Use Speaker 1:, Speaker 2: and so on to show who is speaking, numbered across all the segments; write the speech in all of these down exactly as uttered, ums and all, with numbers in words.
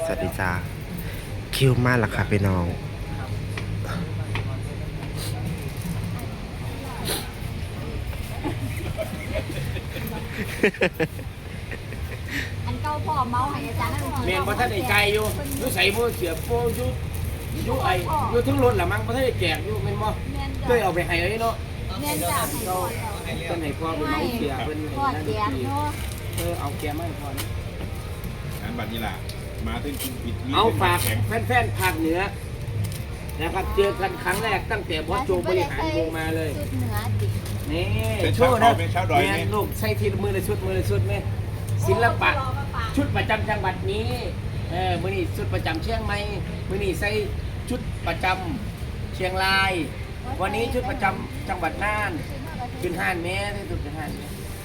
Speaker 1: วัสดีจ้าคิวมากละค่ะพี่น้อง
Speaker 2: อันเก่าพ่อเมาให้อาจารย์นั่น
Speaker 3: เมียนพระท่านไอ้ไก่อยู่ยูใส่มือเสียบโป้ยูยูไอยูทั้งรถหละมั้งพระท่านไอ้แจกอยู่เป็นบ่เคยเอาไปให้เลยเนาะ
Speaker 2: เงินจากให้พ่อ
Speaker 3: เป็นให้พ่อเป็นน้องเสียเป็น
Speaker 2: พ่อแจกเนาะ
Speaker 3: เออเอาแกมาให้พ่อ
Speaker 4: งานบัตรนี่แหละมาถึงกินปิด
Speaker 3: เอาฝากแฟนๆภาคเหนือนะครับเจอกันครั้งแรกตั้งแต่บอสโจบริหารวงมาเลย
Speaker 2: ชุดเหนือดิ
Speaker 3: นี่
Speaker 4: เป็น
Speaker 3: โช
Speaker 4: ชาว
Speaker 3: ว์
Speaker 4: ดอ
Speaker 3: นะ
Speaker 4: ยเป็นชาวดอย
Speaker 3: แม่
Speaker 4: นี่
Speaker 3: ลูกใส่ทีละมือละชุดมือละชุดไหมศิลปะชุดประจำจังหวัดนี้เออมือนี่ชุดประจำเชียงใหม่มือนี่ใส่ชุดประจำเชียงราย วันนี้ชุดประจำจังหวัดน่านขึ้นห้านแม่ที่สุดขึ้นห้านแม่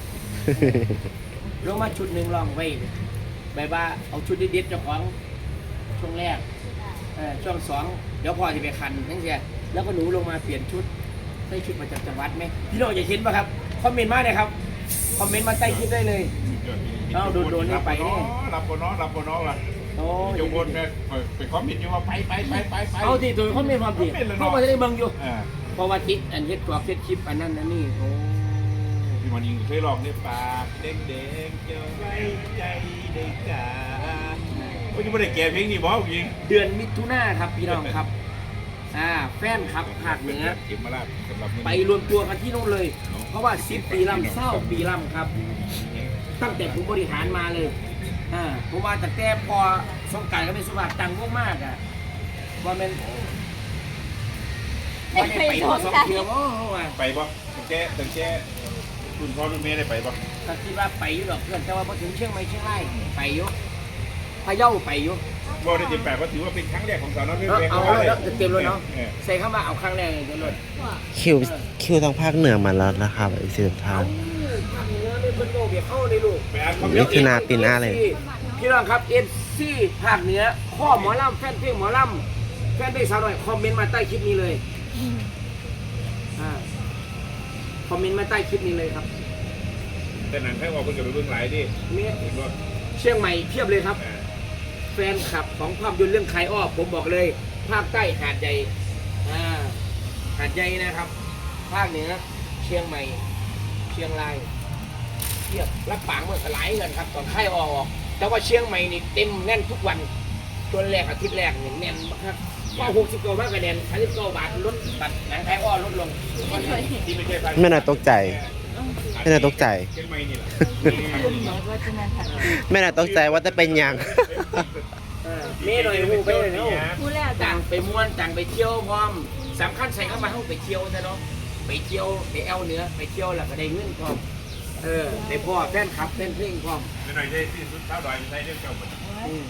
Speaker 3: ลงมาชุดหนึ่งลองไว้แบบว่าเอาชุดเด็ดๆเจ้าของช่วงแรกเออช่วงสองเดี๋ยวพ่อจะไปคันทั้งเสียแล้วก็หนูลงมาเปลี่ยนชุดใส่ชุดประจำจังหวัดไหมพี่น้องอยากเห็นป่ะครับคอมเมนต์มาเลยครับคอมเมนต์มาใต้คลิปได้เลย เอาโดนๆนี่ไปนี่
Speaker 4: รับบนน้อรับบนน้อว่ะ
Speaker 3: โอ้
Speaker 4: โยบนเนี่ยไปคอมเมนต์อยู่ว่าไปไปไปไปไป
Speaker 3: เอาที่ตัวคอมเมนต์ความดีเข้ามาจะได้เบิ่งอยู่
Speaker 4: อ่า
Speaker 3: เพราะว่าทิศอันเฮ็ดกรอบเฮ็ดคลิปอันนั้นอันนี้โอ้
Speaker 4: พี่มันยิงเคยลองเนี่ยปากเด้งเด้งเจ้าไว้ใจเด็กจ๋าโอ้ยยังไม่ได้แก่เพลงนี้บอกยิง
Speaker 3: เดือนมิถุนาครับพี่น้องครับอ่าแฟนครับภาคเหนือ
Speaker 4: เก็บมาลาดสำหรับ
Speaker 3: ไปรวมตัวกันที่นู่นเลย เพราะว่าสิบปีลำเศร้าปีลำครับ ตั้งแต่ผมบริหารมาเลยอ่าผมว่าแต่แต่พอสงกรานต์ก็เป็นสุภาพตังค์มากๆอ่ะว่าเป็นว่าได้ไปหัวสองเที่ยวโอ้โหว่ะ
Speaker 4: ไปปะตั้งแก่ตั้งแก่คุณพ่อคุณแม่ได้ไปปะ
Speaker 3: ก็คิดว่าไปอยู่หรอกเพื่อนแต่ว่าพอถึงเชียงใหม่เชียงรายไปอยู่พะเยาไปอยู่
Speaker 4: บ่ได้เจ็บแปดเพราะถือว่าเป็นครั้งแรกของสาวน้อยเพลง
Speaker 3: เอา
Speaker 4: เขา
Speaker 3: เอา
Speaker 4: เลย
Speaker 3: แล้วเต็มเลยเนาะใส่เข้ามาเอาครั้งแรกเลยเต็มเลย
Speaker 1: คิวคิวทางภาคเหนือมาแล้วนะครับอีกสิบทาง
Speaker 3: ทำเนื้อในเป็นโลกเบียเข้าในลูก
Speaker 4: ไปอ่านคอมเม
Speaker 1: มิ
Speaker 4: นต์
Speaker 1: ถุนาปีหน้าเลย
Speaker 3: พี่น้องครับเอฟซีภาคเหนือข้อหมอลำแฟนเพลงหมอลำแฟนเพลงสาวหน่อยคอมเมนต์มาใต้คลิปนี้เลยอ่าคอมเมนต์มาใต้คลิปนี้เลยครับ
Speaker 4: แต่หนังแค่ว่าคนจะไปเบื้องหลายดิ
Speaker 3: เนี่ย
Speaker 4: เห็นว่า
Speaker 3: เชียงใหม่เพียบเลยครับ แฟนคลับของภาพยนตร์เรื่องใครอ้อผมบอกเลย ภาคใต้หาดใหญ่อ่าหาดใหญ่นะครับ ภาคเหนือเชียงใหม่ เชียงรายเทียบรับปางเมื่อหลายเงินครับตอนใครอ้อออกแต่ว่าเชียงใหม่นี่เต็มแน่นทุกวันตัวแรกอาทิตย์แรกเนี่ยแน่นมากครับก็หกสิบเก้ามากกว่าแน่นสามสิบเก้าบาทลดบัตรหนังไทยอ้อลดลง
Speaker 4: ที่ไม่ใช่ภาค
Speaker 1: ไม่น่าตกใจ ไม่น่าตกใจ
Speaker 4: เชียงใหม่นี่แหละ
Speaker 1: ไม่น่าตกใจว่าจะเป็นยัง
Speaker 3: เออเม่หน่อยหูไปเลยเนาะ
Speaker 2: พูดแล้ว
Speaker 3: จังไปม้วนจังไปเที่ยวพร้อมสำคัญใส่เข้ามาเข้าไปเที่ยวซะเนาะไปเที่ยวไปแอลเหนือไปเที่ยวแล้วก็ได้เงินพร้อมเออได้พ่อแฟนคลับแฟนเพลงพร้อม
Speaker 4: ไม่หน่อยได้ที่สุดเท้าดอยไม่ใช่เรื่องเก่าหมด
Speaker 3: อืม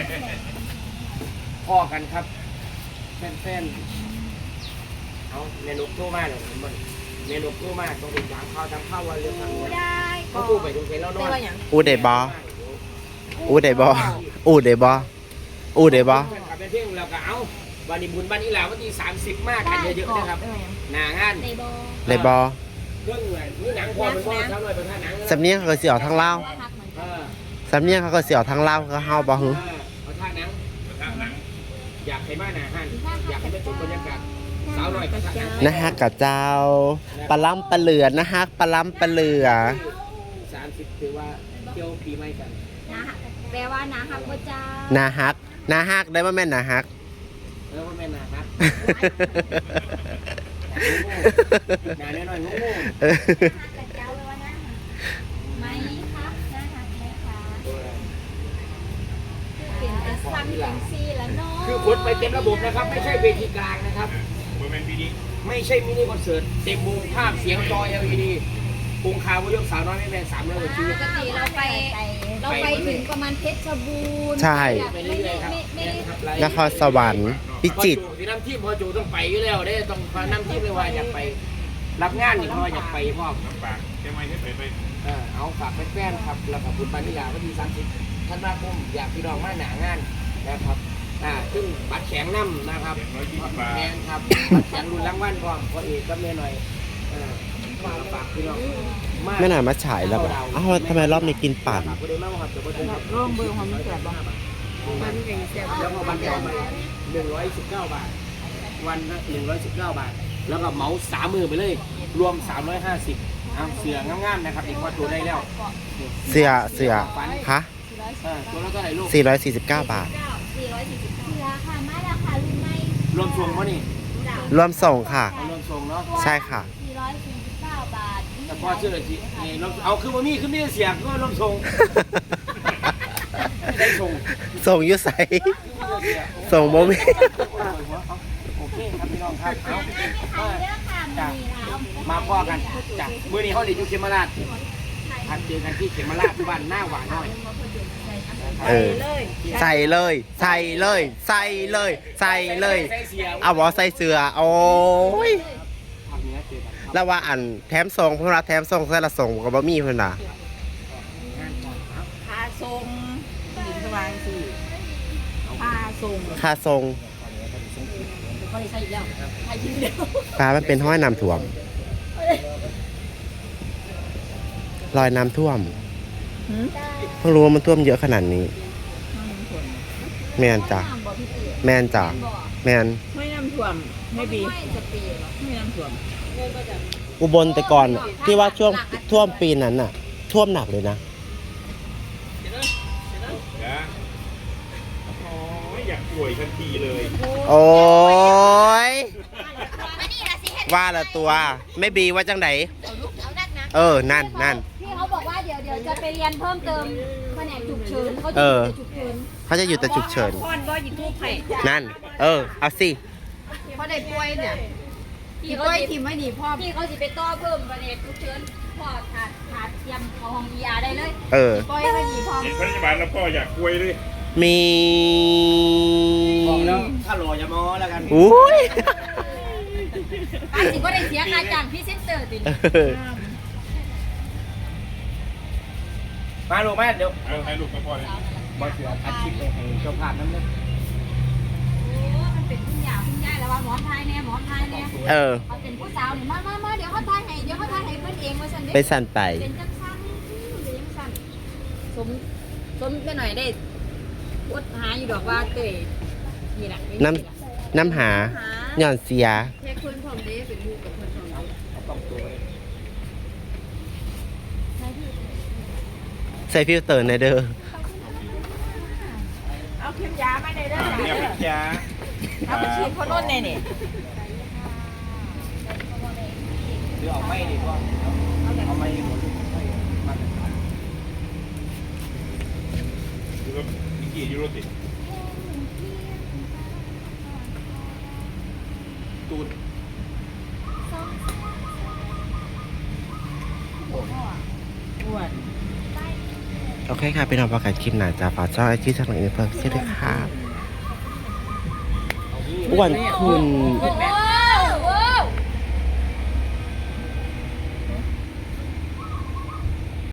Speaker 3: พ่อกันครับแฟนแฟนเอาเมนูโทรมาเลยมันเมนูโทรมาต้องไปถามข้าวทำข้าววันเรื่องทางเงิน
Speaker 2: ได้
Speaker 3: เขาพูดไปตรงไหนแล้วเน
Speaker 2: ได้
Speaker 3: อะ
Speaker 2: ว่าอย่าง
Speaker 1: อูเดบออูเดบออูเดบออูเดบอ
Speaker 3: แฟนคลับแฟนเพลงเราก็เอาวันนี้บุญวันนี้แหละวันที่สามสิบมากกันเยอะๆนะครับหนางาน
Speaker 2: ในบอ
Speaker 1: เดบอ
Speaker 3: เรื่องเงินนี่หนังพอมันก็เท่าไหร่เป็นค่าหนัง
Speaker 1: สำเนียงเขาก็เสียวทางเล่าว
Speaker 2: พักเหมือน
Speaker 3: เอ
Speaker 2: กัน
Speaker 3: อ
Speaker 1: สำเนียงเขาก็เสียวทางเล่าวก็เฮาบ่ฮึ
Speaker 3: เอาท่าหนัง
Speaker 4: ท่าหนัง
Speaker 3: อยากให้มาหนาหันอยากให้ไปชมบรรยากาศสาวหน่อยก็ท่าหนัง
Speaker 1: นะฮะกับเจ้าปลาล้ำปลาเหลือนะฮะปลาล้ำปลาเหลือ
Speaker 3: สามสิบถือว่าเที่ยวปีใหม่กัน
Speaker 2: นะแปลว่านะฮักพระเจ้า
Speaker 1: นาฮักนาฮักได้มาแม่นนาฮัก
Speaker 3: เออว่าแม่นาฮักหนาแน่นอนงู
Speaker 1: เออ
Speaker 2: พระเจ้าแปลว่านะไหมครับนะฮักไหมคะเป็นแต่ซ้ำเป็นซี่แล้วเนาะ
Speaker 3: คือคนไปเต็มระบบนะครับ ไม่ใช่เวทีกลางนะครับ
Speaker 4: เมื่อเป็นปีนี้
Speaker 3: ไม่ใช่มินิคอนเสิร์ตเต็มวงภาพเสียงจอ แอล อี ดีองคาวยกสาวน้อยไม่แม่สามร้อยกว่าชีวิต
Speaker 2: ปกติเราไปเราไปถึงประมาณเพชรบูรณ์
Speaker 1: ใช่
Speaker 3: ไป
Speaker 2: ไม่
Speaker 3: เรื่
Speaker 2: ได้
Speaker 3: อยๆครับ
Speaker 2: ไม่ไม่ได้
Speaker 3: ครับ
Speaker 1: นครสวรรค์พิจิตร
Speaker 3: ที่น้ำทีมพอจูต้องไปอยู่แล้วได้ต้องน้ำทีมเลยว่าอยากไป รับงานนี่เพราะว่าอยากไปพ่อ
Speaker 4: น้ำปากเชียงใหม่ที่ไปไป
Speaker 3: เออเอาฝากแฟนๆครับแล้วกับบุญปานิลาวันที่สามสิบธันวาคมอยากพี่น้องมาหนางานนะครับอ่าซึ่งบัตรแข็งน้ำนะครับ
Speaker 4: เจ็ดร้อยยี่สิบบาท
Speaker 3: แมนครับบัตรแข็งรุ่นรางวัลพร้อมพอเอกก็เมียหน่อยเออมาฝากพี่น้อง
Speaker 1: ไม่น่ามาฉายแล้วแบบอ้าวทำไมรอบนี้กินปั่น
Speaker 3: ฝากผู้ใดมาบ่ครับเดี๋ยวบ่ถึงครับ
Speaker 2: ร่วมเบอร์ความมีแก่บ้าง
Speaker 3: อ
Speaker 2: มันไก่แซ่บ
Speaker 3: แล้วก็วันต่อไปหนึ่งร้อยสิบเก้าบาท วันละหนึ่งร้อยสิบเก้าบาท แล้วก็เหมาสามมือไปเลย รวมสามร้อยห้าสิบเอาเสืองามๆนะครับอีกว่าตัวได้แล้ว
Speaker 1: เสื้อเสื้อคะ
Speaker 3: เออตัวละเท่าไหร่ลูก
Speaker 1: สี่ร้อยสี่สิบเก้าบาท
Speaker 2: สี่ร้อยสี่สิบเก้าราคาไม่ราคารุ่นไม่
Speaker 3: รวมส่งป่ะนี่
Speaker 1: รวมส่งค่ะ
Speaker 3: เอารวมส่งเนาะ
Speaker 1: ใช่ค่ะ
Speaker 2: สี่ร้อยสี่สิบเก้าบาท
Speaker 3: แต่พอเชื่อเลยทีเอ้ยรวมเอาคือว่ามีคือมีแต่เสียงก็รวมส่งไม่ได้ส่ง
Speaker 1: ส่งอยุใส
Speaker 3: คือมีแต่เสียง
Speaker 1: ส่งโมมี
Speaker 3: โอเคครับพี่น้องครับเอา
Speaker 2: ไม่มีใครเลือกค่ะมีแล้ว
Speaker 3: มาพ่อกันจ้ะมื้อนี้เขาเรียนอยู่เขมราชทันเจอกันที่เขมราชบ้านหน้าหวานน้อย
Speaker 1: เออ ใส่เลย ใส่เลย ใส่เลย ใส่เลย
Speaker 3: ใส่เสียง
Speaker 1: เอาบอใส่เสือโอ้ย
Speaker 3: ภาคเหนือเจอกันครับ
Speaker 1: แล้วว่าอันแถมส่งเพราะว่าแถมส่งใส่ละส่งกับบะมี่เพิ่นน่ะ
Speaker 2: พาทรงหินสว่างสิพาทรง
Speaker 1: ค่าส่ง
Speaker 2: เขาเลยใส่อีกแล้วใส่ยืดเดียว
Speaker 1: ฟ้ามันเป็นห้อยน้ำท่วมรอยน้ำท่วมเพิ่งรู้ว่ามันท่วมเยอะขนาดนี้ แมนจ้ะแมนจ้ะแมน
Speaker 5: ไม่น้ำท่วมไม่บี
Speaker 2: ไม่จะปีเหรอ
Speaker 5: ไม่น้ำท่วม
Speaker 1: อุบลแต่ก่อนน่ะที่ว่าช่วงท่วมปีนั้นน่ะ ท่วมหนักเลยนะ
Speaker 4: นะโอ้ยอยากป่วยทันทีเลย
Speaker 1: โอ้ย
Speaker 2: อันนี้ละสิเห็น
Speaker 1: ว่าละตัว ไม่บีว่าจังไหน
Speaker 2: เอาลูกเอานักนะ
Speaker 1: เออ นั่นนั่น
Speaker 2: พี่เขาบอกว่าเดี๋ยวเดี๋ยวจะไปเรียนเพิ่มเติมแผนกฉุกเฉินเขาจะ
Speaker 1: เออ
Speaker 2: ฉุกเฉิน
Speaker 1: เขาจะอยู่แต่ฉุกเฉิน
Speaker 5: พ่อนบ่ยิทูบไผ่
Speaker 1: นั่น เออ เอาสิ
Speaker 5: เพราะได้ป่วยเนี่ย
Speaker 2: พี่
Speaker 5: ที่
Speaker 2: เขา
Speaker 5: ป่วย
Speaker 2: สิ
Speaker 5: ทีมไม่ดีพ่อ
Speaker 2: พี่เขาสิไปต่อเพิ่มแผนกฉุกเฉินพอขาดขาดเตรียมเข้าห้องยาได้เลย
Speaker 1: เออ
Speaker 5: ป่วยไม่ดีพ่อ
Speaker 4: เห็นพยาบาลแล้วก็อยากป่วยเลย
Speaker 1: มี
Speaker 3: บอกแล้วถ้ารออย่ามอแล้วกัน
Speaker 1: อุ้ย
Speaker 2: อันสิก็ได้เสียค่าจ้างพรี่เซนเตอร์ติด
Speaker 1: เออ
Speaker 3: มาลูกแม่เดี๋ยว
Speaker 4: เอาให้ลูกมาพ่อเลย
Speaker 3: บอสเสืออาชีพเลยให้เจ้าภาพนั่นเลย
Speaker 2: โอ้มันเป็นคุณยาคุณยายแล้วว่าหมอนไทยเนี่ยหมอนไทยเนี่ย
Speaker 1: เออ
Speaker 2: เขาเป็นผู้สาวนี่มามามาเดี๋ยวเขาทายให้เดี๋ยวเขาทายให้เพิ่นเองว่าฉันเด้
Speaker 1: ไปสั่นไป
Speaker 2: เป็นจังซั่นเป็นจังซั่น
Speaker 5: สมสมไปหน่อยได้อดหาอยู่ดอกว่าเตยนี่แหละ
Speaker 1: น้ำ น้ำหาหย่อนเสีย
Speaker 5: เทคคนของเด้เป็นลูกกับคนของเด้
Speaker 3: เอาต้องตัวไว้
Speaker 1: ใส่ฟิลเตอร์ในเด้อ
Speaker 5: เอาเข็มยามาได้เด้อ
Speaker 4: เนี่ยเป็นยา
Speaker 5: เอาไปฉีดพ่นนเนี่ยนี่
Speaker 3: หรือเอาไม่ดีกว่าเอาไม่หมดมาตรฐาน
Speaker 4: ดูว่ามิกกี้ยูโรติ
Speaker 3: ตูด
Speaker 5: อ้วน
Speaker 1: โอเคค่ะเป็นเอาประกาศคลิปหนาจากฝากช่องไอจีช่องอื่นเพิ่มเช่นด้วยค่ะอ้วนคุณ
Speaker 5: เป็นแม่